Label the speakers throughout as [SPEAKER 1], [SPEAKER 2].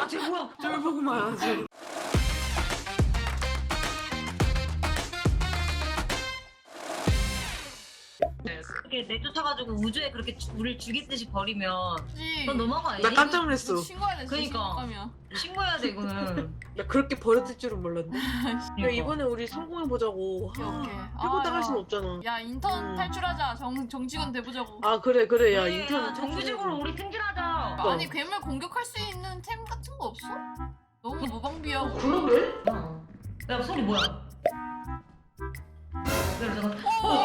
[SPEAKER 1] 쟤 뭐야?
[SPEAKER 2] 쫄보구만 아주.
[SPEAKER 1] 이렇게 내쫓아가지고 우주에 그렇게 우리를 죽이듯이 버리면
[SPEAKER 3] 그치.
[SPEAKER 1] 넌 너무한 거 아니니?
[SPEAKER 2] 나 깜짝 놀랐어.
[SPEAKER 3] 너 신고해야 돼.
[SPEAKER 1] 그니까.
[SPEAKER 3] 신고하면.
[SPEAKER 1] 신고해야 돼 이거는.
[SPEAKER 2] 나 그렇게 버렸을 줄은 몰랐네. 야
[SPEAKER 1] 그러니까.
[SPEAKER 2] 이번에 우리 성공해 보자고.
[SPEAKER 3] 오케이, 오케이.
[SPEAKER 2] 해보다
[SPEAKER 3] 아,
[SPEAKER 2] 갈 순 없잖아.
[SPEAKER 3] 야 인턴 탈출하자. 정직원 돼보자고.
[SPEAKER 2] 아 그래 그래 야
[SPEAKER 1] 그래,
[SPEAKER 2] 인턴
[SPEAKER 1] 야, 정규직으로 우리 승진하자.
[SPEAKER 3] 아니 괴물 공격할 수 있는 템 같은 거 없어? 너무 무방비하고.
[SPEAKER 2] 그러게?
[SPEAKER 1] 야 소리 뭐야? 야 잠깐.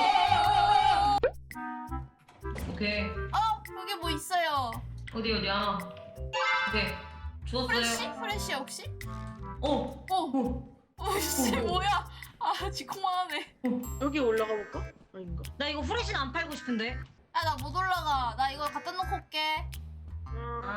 [SPEAKER 1] 오케이.
[SPEAKER 3] 여기 뭐 있어요?
[SPEAKER 1] 어디야? 오케이.
[SPEAKER 3] 프레쉬?
[SPEAKER 1] 주웠어요.
[SPEAKER 3] 프레쉬 혹시?
[SPEAKER 1] 어.
[SPEAKER 3] 오씨 뭐야? 아 지콩만하네.
[SPEAKER 2] 여기 올라가 볼까? 아닌가?
[SPEAKER 1] 나 이거 후레쉬는 안 팔고 싶은데.
[SPEAKER 3] 아 나 못 올라가. 나 이거 갖다 놓고 올게.
[SPEAKER 1] 아.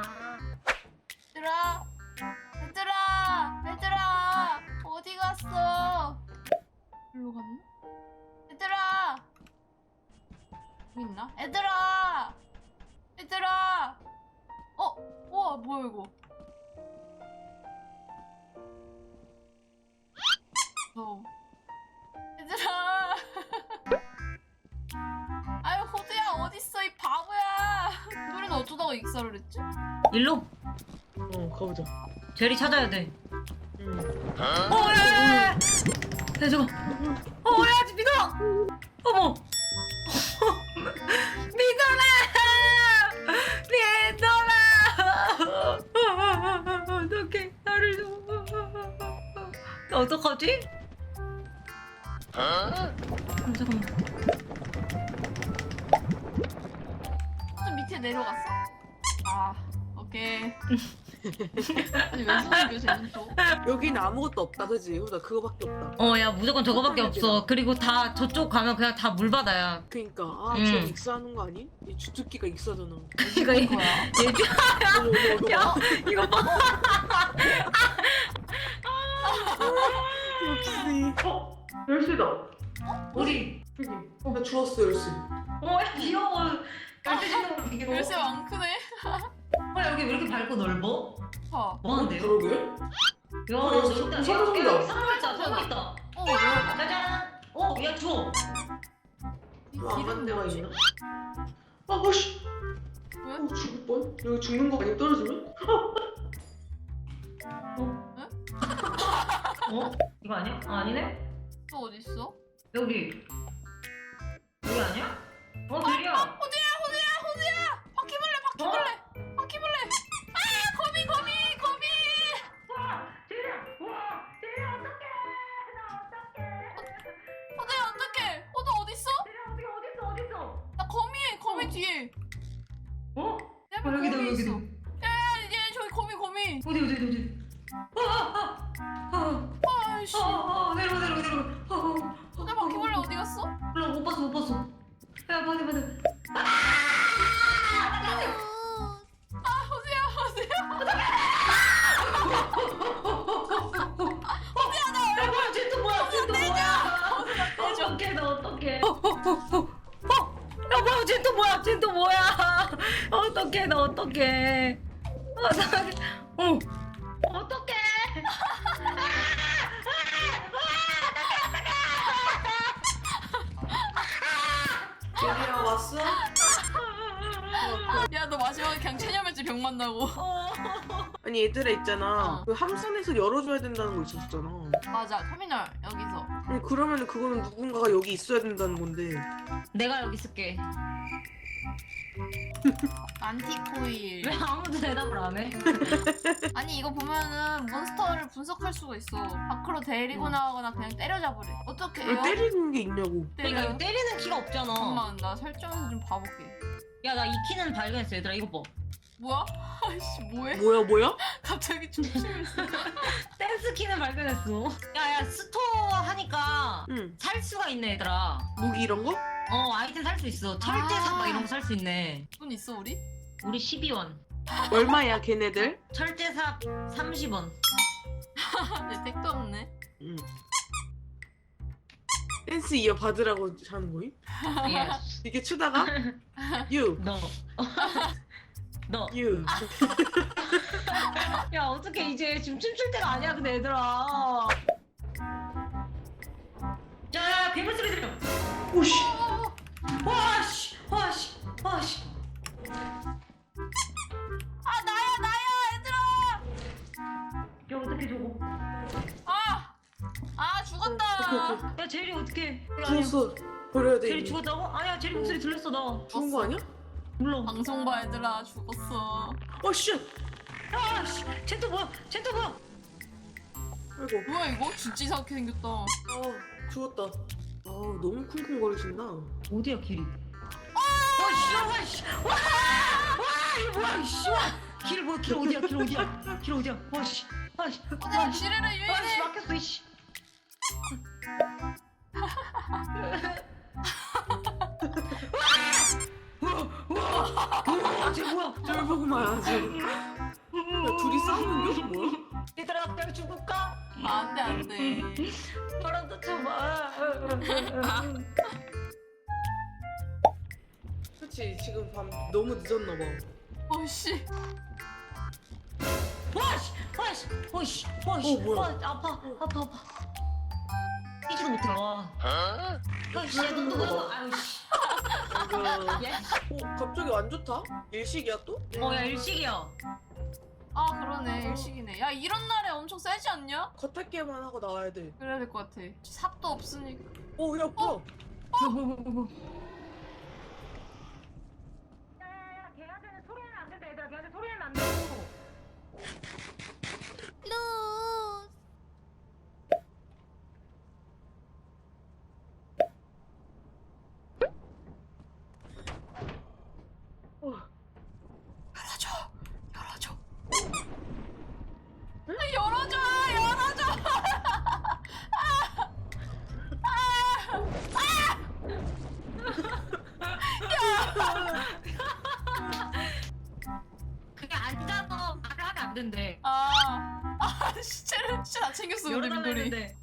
[SPEAKER 3] 얘들아 어디 갔어? 일로 갔나? 얘들아 여기 있나? 얘들아 우와 뭐야 이거? 얘들아 아유 호두야 어딨어 이 바보야. 소리는 어쩌다가 익사를 했지?
[SPEAKER 1] 일로.
[SPEAKER 2] 가보자.
[SPEAKER 1] 제리 찾아야 돼.
[SPEAKER 2] 응.
[SPEAKER 1] 야, 야, 저거. 야, 믿어. 어머. 믿어라. 어떡해, 나를 좀. 나 어떡하지? 잠깐만.
[SPEAKER 3] 좀 밑에 내려갔어? 아 오케이. 아니 왜 소리야 쟤는 또?
[SPEAKER 2] 여기는 아무것도 없다 그지? 나 그거밖에 없다.
[SPEAKER 1] 야, 무조건 저거밖에 없어. 그리고 다 저쪽 가면 그냥 다 물바다야.
[SPEAKER 2] 그니까 저
[SPEAKER 1] 응.
[SPEAKER 2] 익사하는 거 아니? 이 주특기가 익사잖아.
[SPEAKER 1] 이거
[SPEAKER 3] 뭐야?
[SPEAKER 2] 어머 어머
[SPEAKER 1] 야,
[SPEAKER 2] 어머.
[SPEAKER 1] 이거 봐.
[SPEAKER 2] 역시. 열쇠다.
[SPEAKER 1] 우리.
[SPEAKER 2] 여기. 나 주웠어 열쇠.
[SPEAKER 1] 야, 귀여워. 열쇠 지금 이게 뭐?
[SPEAKER 3] 열쇠 많크네.
[SPEAKER 1] 여기 왜 이렇게 밝고 넓어?
[SPEAKER 3] 봐.
[SPEAKER 1] 뭐 하는데요?
[SPEAKER 2] 그러게.
[SPEAKER 1] 야,
[SPEAKER 2] 여기
[SPEAKER 1] 넓다.
[SPEAKER 2] 선물이다.
[SPEAKER 1] 여기 선물있다, 선물있다.
[SPEAKER 3] 뭐야?
[SPEAKER 1] 짜잔. 야, 줘.
[SPEAKER 2] 안간 데가 있나? 아씨.
[SPEAKER 3] 왜?
[SPEAKER 2] 죽을 뻔. 여기 죽는 거 아니야 떨어지면?
[SPEAKER 1] 이거 아니야? 아니네?
[SPEAKER 3] 또 어디 있어?
[SPEAKER 1] 여기. 여기 아니야? 들이야.
[SPEAKER 3] 호두야! 바퀴벌레! 아 거미!
[SPEAKER 1] 들이야. 와, 들이야, 어떡해. 나 어떡해.
[SPEAKER 3] 호두야 어떡해? 호두 어디 있어?
[SPEAKER 1] 들이야, 어딨어?
[SPEAKER 3] 나 거미 뒤에. 내 앞에
[SPEAKER 1] 여기다,
[SPEAKER 3] 거미
[SPEAKER 1] 여기다.
[SPEAKER 3] 있어. 얘 저기 거미.
[SPEAKER 1] 어디.
[SPEAKER 3] 아이씨.
[SPEAKER 1] 내려와.
[SPEAKER 3] 호두 바퀴벌레 어디 갔어?
[SPEAKER 1] 몰라, 못 봤어. 야, 빨리. 야, 뭐야, 쟤또 뭐야? 어떡해, 나 어떡해. 야, 뭐야, 쟤또 뭐야? 어떡해, 나 어떡해. 어떡해.
[SPEAKER 2] 얘들아 왔어?
[SPEAKER 3] 야 너 마지막에 그냥 체념했지 병 만나고.
[SPEAKER 2] 아니 얘들아 있잖아.
[SPEAKER 3] 어.
[SPEAKER 2] 그 함선에서 열어줘야 된다는 거 있었잖아.
[SPEAKER 3] 맞아 터미널 여기서.
[SPEAKER 2] 아니 그러면은 그거는 누군가가 여기 있어야 된다는 건데.
[SPEAKER 1] 내가 여기 있을게.
[SPEAKER 3] 안티코일.
[SPEAKER 1] 왜 아무도 대답을 안 해?
[SPEAKER 3] 아니 이거 보면은 몬스터를 분석할 수가 있어. 밖으로 데리고 나가거나 그냥 때려잡으래. 어떻게
[SPEAKER 2] 왜
[SPEAKER 3] 해요?
[SPEAKER 2] 때리는 게 있냐고.
[SPEAKER 1] 그러니까 이거 때리는 키가 없잖아.
[SPEAKER 3] 잠깐만 나 설정에서 좀 봐볼게.
[SPEAKER 1] 야, 나 이 키는 발견했어, 얘들아. 이거 봐.
[SPEAKER 3] 뭐야? 아이씨 뭐해?
[SPEAKER 2] 뭐야?
[SPEAKER 3] 갑자기 춤추면서.
[SPEAKER 1] 댄스 키는 발견했어. 야, 스토어 하니까
[SPEAKER 2] 응.
[SPEAKER 1] 살 수가 있네, 얘들아.
[SPEAKER 2] 무기 이런 거?
[SPEAKER 1] 아이템 살 수 있어. 철제삽
[SPEAKER 3] 아.
[SPEAKER 1] 막 이런 거 살 수 있네.
[SPEAKER 3] 돈 있어 우리?
[SPEAKER 1] 우리 12원.
[SPEAKER 2] 얼마야 걔네들?
[SPEAKER 1] 철제삽 30원.
[SPEAKER 3] 내 택도 없네.
[SPEAKER 2] 응. 댄스 이어 받으라고 하는 거임?
[SPEAKER 1] 예스.
[SPEAKER 2] 이게 추다가? 유.
[SPEAKER 1] 너. 너.
[SPEAKER 2] 유.
[SPEAKER 1] 야 어떻게 이제 지금 춤출 때가 아니야 근데 얘들아. 야 괴물 소리 들려.
[SPEAKER 2] 오씨.
[SPEAKER 1] 와씨 와씨 와씨.
[SPEAKER 3] 아 나야 얘들아.
[SPEAKER 1] 야 어떻게 저거.
[SPEAKER 3] 아 죽었다.
[SPEAKER 1] 야 제리 어떻게.
[SPEAKER 2] 죽었어. 버려야 돼.
[SPEAKER 1] 제리
[SPEAKER 2] 이미.
[SPEAKER 1] 죽었다고? 아니야 제리 목소리 들렸어 나.
[SPEAKER 2] 죽은 거 아니야?
[SPEAKER 1] 몰라.
[SPEAKER 3] 방송 봐 얘들아 죽었어.
[SPEAKER 2] 어 씨.
[SPEAKER 1] 야씨 쟤또 뭐야 쟤또 뭐야.
[SPEAKER 2] 아이고.
[SPEAKER 3] 뭐야 이거? 진짜 이상하게 생겼다.
[SPEAKER 2] 죽었다. 너무 쿵쿵거리신다.
[SPEAKER 1] 어디야 길이? 와씨 와 이거 뭐야 씨 와. 길 뭐야 길 어디야 길 어디야 길 어디야 와씨 와씨
[SPEAKER 3] 내가 지뢰를
[SPEAKER 1] 와씨
[SPEAKER 3] 유인해.
[SPEAKER 1] 막혔어 이씨. 쟤 뭐야?
[SPEAKER 2] 쫄 보고 말하지. 야, 둘이 싸우는 게 뭐야?
[SPEAKER 1] 얘들아 그냥 죽을까?
[SPEAKER 3] 안돼.
[SPEAKER 1] 바람도 쳐봐.
[SPEAKER 2] 그렇지. 지금 밤 너무 늦었나 봐.
[SPEAKER 3] 어씨.
[SPEAKER 1] 와씨 와씨 와씨 와씨
[SPEAKER 2] 뭐야?
[SPEAKER 1] 와 아파 뛰지도 못해 와. 아이씨 너 누구야? 아유씨.
[SPEAKER 2] 아이고.
[SPEAKER 1] 예?
[SPEAKER 2] 갑자기 안 좋다? 일식이야 또?
[SPEAKER 1] 어야 일식이야.
[SPEAKER 3] 아 그러네 일식이네. 야 이런 날에 엄청 세지 않냐?
[SPEAKER 2] 겉핥기만 하고 나와야 돼.
[SPEAKER 3] 그래야 될 것 같아. 삽도 없으니까.
[SPEAKER 2] 오, 야, 뭐?
[SPEAKER 1] 뭐. 야야야 걔한테는 소리는 안 된다 얘들아 걔한테 소리는 안 되고.
[SPEAKER 3] 열어줘. 열어줘.
[SPEAKER 1] 그게 앉아서 말을 하면 안 된대.
[SPEAKER 3] 시체를 진짜 다 챙겼어 근데
[SPEAKER 1] 열어달라
[SPEAKER 3] 민돌이.
[SPEAKER 1] 했는데.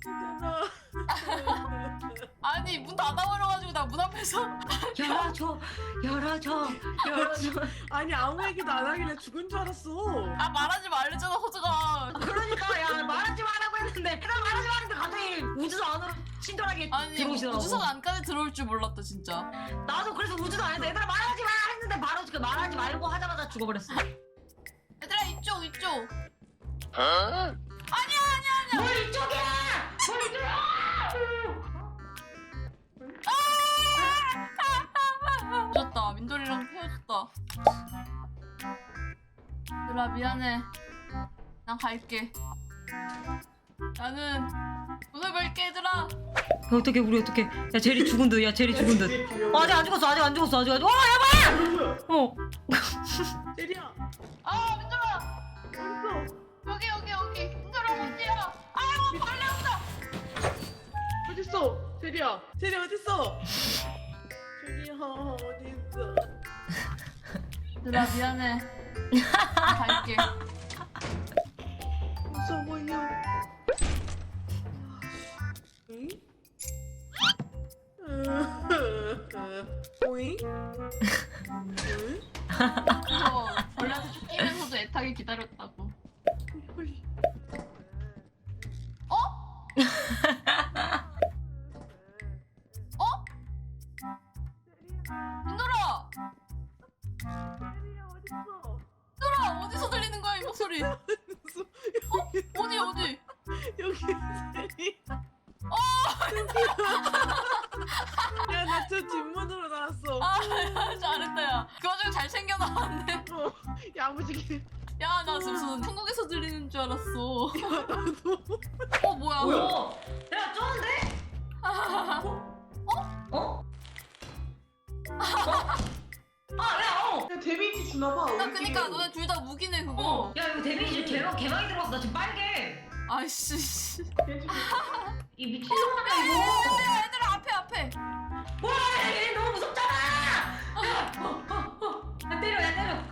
[SPEAKER 3] 아니 문 닫아버려가지고 나 문 앞에서.
[SPEAKER 1] 열어줘.
[SPEAKER 2] 아니, 아무 얘기도 안 하길래 죽은 줄 알았어.
[SPEAKER 3] 아 말하지 말랬잖아 호주가.
[SPEAKER 1] 그러니까 야 말하지 말라고 했는데 내가 말하지 말았는데 갑자기 우주선 안으로 친절하게
[SPEAKER 3] 아니
[SPEAKER 1] 들어오시더라고.
[SPEAKER 3] 우주선 안까지 들어올 줄 몰랐다 진짜.
[SPEAKER 1] 나도 그래서 우주선 안에서 얘들아 말하지 마 했는데 바로 그 말하지 말고 하자마자 죽어버렸어.
[SPEAKER 3] 얘들아 이쪽.
[SPEAKER 1] 뭘 이쪽이야? 뭘 이쪽이야?
[SPEAKER 3] 늦었다. 민돌이랑 헤어졌다. 얘들아 미안해. 난 갈게. 나는 오늘 뵐게 얘들아.
[SPEAKER 1] 어떻게 우리 어떻게? 야 제리 죽은 듯. 야 제리 죽은 듯. 아직 안 죽었어. 아직 안 죽었어. 아직. 와 야봐야.
[SPEAKER 2] 뭐야?
[SPEAKER 1] 어.
[SPEAKER 2] 제리야,
[SPEAKER 3] 아 민돌아
[SPEAKER 2] 어딨어?
[SPEAKER 3] 여기 민돌아 어디야? 아이고 벌레 온다.
[SPEAKER 2] 어딨어? 제리야, 제리 어딨어? 제리야, 어딨어?
[SPEAKER 3] 얘들아 미안해. 난 갈게.
[SPEAKER 2] 무서워요. 응? 오잉? 응?
[SPEAKER 3] 그래서 벌레한테 쫓기면서도 애타게 기다렸다고. 어? 어? 민돌아!
[SPEAKER 2] 제리야, 어딨어?
[SPEAKER 3] 민돌아 어디서 들리는 거야 이 목소리? 어디?
[SPEAKER 2] 여기 제리. 야, 나 저 뒷문으로 나왔어.
[SPEAKER 3] 아 잘했다 야. 그 와중에 잘 챙겨 나왔네.
[SPEAKER 2] 야무지게.
[SPEAKER 3] 야 나 무슨 한국에서 들리는 줄 알았어. 뭐야?
[SPEAKER 1] 어. 야 쩌는데? 어? 야
[SPEAKER 2] 데미지 주나봐.
[SPEAKER 3] 나 그니까 너네 둘 다 무기네 그거.
[SPEAKER 1] 야 이거 데미지 개많이 들어갔어. 나 지금 빨개.
[SPEAKER 3] 아이씨.
[SPEAKER 1] 이 미친놈아 이거.
[SPEAKER 3] 얘들아 앞에.
[SPEAKER 1] 와, 얘 너무 무섭잖아. 야 때려.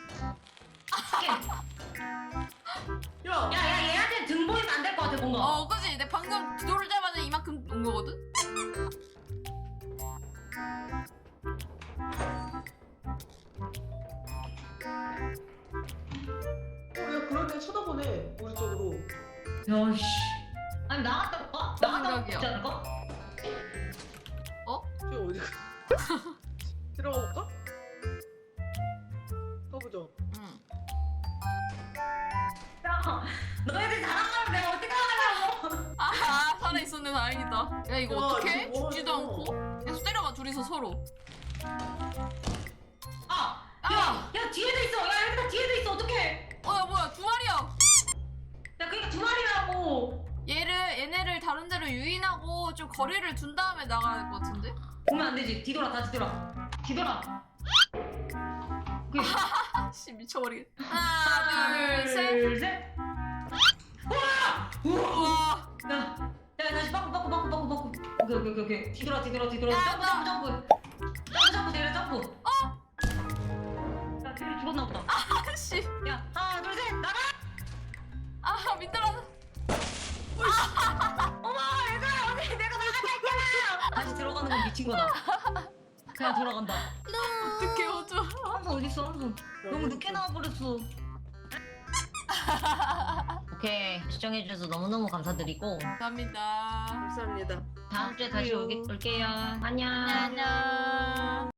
[SPEAKER 2] 야,
[SPEAKER 1] 얘한테 등 보이면 안 될 것 같아 뭔가.
[SPEAKER 3] 그지? 내 방금 들어오자마자 이만큼 온 거거든?
[SPEAKER 2] 돼 우리 쪽으로.
[SPEAKER 1] 야씨. 아니 나갔다 올까? 나갔다
[SPEAKER 3] 생각이야.
[SPEAKER 1] 오지 않을까?
[SPEAKER 2] 저 어디 가? 들어가 볼까? 가보자.
[SPEAKER 3] 응.
[SPEAKER 1] 야, 너희들 잘하면 내가 어떻게 하냐고.
[SPEAKER 3] 아 살아 있었네 다행이다. 야 이거
[SPEAKER 2] 와,
[SPEAKER 3] 어떡해?
[SPEAKER 2] 이거 뭐
[SPEAKER 3] 죽지도
[SPEAKER 2] 하냐.
[SPEAKER 3] 않고. 계속 때려봐 둘이서 서로.
[SPEAKER 1] 아,
[SPEAKER 3] 아.
[SPEAKER 1] 야 뒤에도 있어. 야 여기다 뒤에도 있어. 어떡해?
[SPEAKER 3] 야 뭐야 두 마리야.
[SPEAKER 1] 야 그러니까 두 마리라고.
[SPEAKER 3] 얘네를 다른 데로 유인하고 좀 거리를 둔 다음에 나가야 될 것 같은데?
[SPEAKER 1] 보면 안 되지. 뒤돌아, 다시 돌아. 뒤돌아.
[SPEAKER 3] 아씨 미쳐버리겠. 하나 둘 셋.
[SPEAKER 1] 둘, 셋. 우와! 우와!
[SPEAKER 3] 우와.
[SPEAKER 1] 야, 다시 바꾸. 오케이. 뒤돌아.
[SPEAKER 3] 야,
[SPEAKER 1] 점프. 점프, 내려, 점프. 야, 걔를 죽었나 보다.
[SPEAKER 3] 아씨.
[SPEAKER 1] 야, 하나, 둘, 셋, 나가!
[SPEAKER 3] 아 미끄러.
[SPEAKER 1] 어머, 얘들아, 언니, 내가 나가자 했잖아! 다시 들어가는 건 미친 거다. 그냥 돌아간다.
[SPEAKER 3] 어떡해 어쩌.
[SPEAKER 1] 항상 어딨어, 항상. 너무 늦게 나와버렸어. 오케이, 시청해주셔서 너무너무 감사드리고.
[SPEAKER 3] 감사합니다.
[SPEAKER 2] 감사합니다.
[SPEAKER 1] 다음 주에 다시 올게요. 안녕.
[SPEAKER 3] 안녕.